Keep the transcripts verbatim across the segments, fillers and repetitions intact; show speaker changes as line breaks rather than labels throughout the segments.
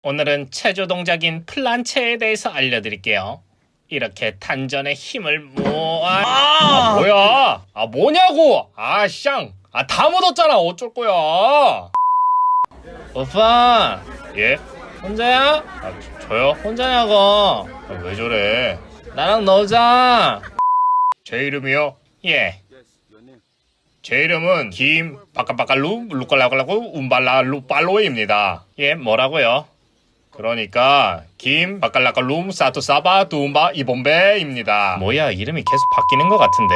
오늘은 체조 동작인 플란체에 대해서 알려드릴게요. 이렇게 단전에 힘을 모아. 아, 뭐야? 아, 뭐냐고? 아, 쌍. 아, 다 묻었잖아. 어쩔 거야? 오빠. 예? 혼자야? 아, 저, 저요? 혼자냐고? 아, 왜 저래? 나랑 놀자. 제 이름이요? 예. 제 이름은 김 바까바까루 루깔라깔라고 움발라 루팔로입니다. 예, 뭐라고요? 그러니까 김 바깔라깔룸 사투사바 둠바 이본베입니다. 뭐야, 이름이 계속 바뀌는 것 같은데.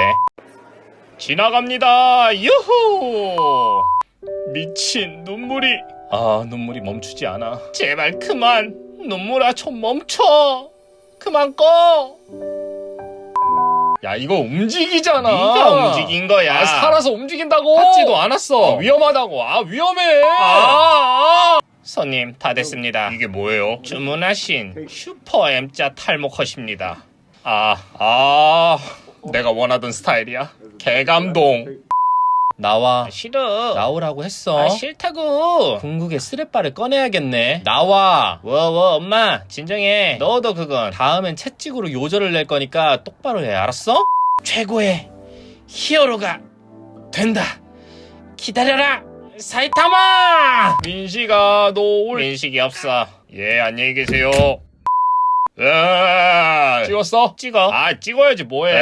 지나갑니다. 유후. 미친 눈물이. 아, 눈물이 멈추지 않아. 제발 그만. 눈물아 좀 멈춰. 그만 꺼. 야, 이거 움직이잖아. 네가 움직인 거야. 아, 살아서 움직인다고. 하지도 않았어. 아, 위험하다고. 아, 위험해. 아, 아. 손님, 다 됐습니다. 이게 뭐예요? 주문하신 슈퍼 M자 탈모 컷입니다. 아, 아, 내가 원하던 스타일이야. 개감동. 나와. 싫어. 나오라고 했어. 아, 싫다고. 궁극의 스레빠를 꺼내야겠네. 나와. 워워, 엄마 진정해. 너도 그건 다음엔 채찍으로 요절을 낼 거니까 똑바로 해. 알았어? 최고의 히어로가 된다. 기다려라 사이타마. 민식아, 너 올 민식이 없어. 예, 안녕히 계세요. 으아, 찍었어? 찍어. 아, 찍어야지 뭐해.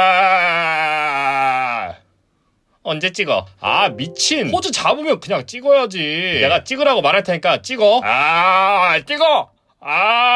아, 언제 찍어? 아, 미친. 포즈 잡으면 그냥 찍어야지. 내가 찍으라고 말할 테니까 찍어. 아, 찍어. 아,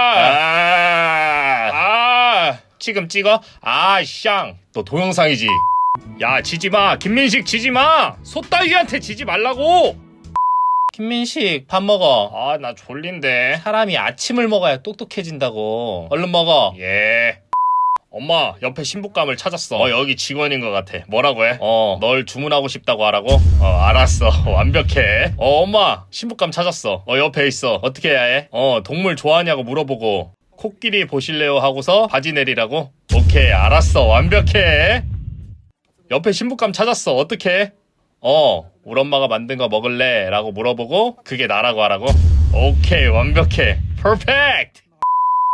아, 아, 지금 찍어. 아, 쌍. 너 동영상이지. 야, 지지마. 김민식 지지마. 소따위한테 지지 말라고. 김민식, 밥 먹어. 아, 나 졸린데. 사람이 아침을 먹어야 똑똑해진다고. 얼른 먹어. 예. 엄마, 옆에 신부감을 찾았어. 어, 여기 직원인 것 같아. 뭐라고 해? 어, 널 주문하고 싶다고 하라고? 어, 알았어. 완벽해. 어, 엄마, 신부감 찾았어. 어, 옆에 있어. 어떻게 해야 해? 어, 동물 좋아하냐고 물어보고 코끼리 보실래요 하고서 바지 내리라고? 오케이, 알았어. 완벽해. 옆에 신부감 찾았어. 어떻게 해? 어, 우리 엄마가 만든 거 먹을래? 라고 물어보고 그게 나라고 하라고? 오케이, 완벽해. 퍼펙트.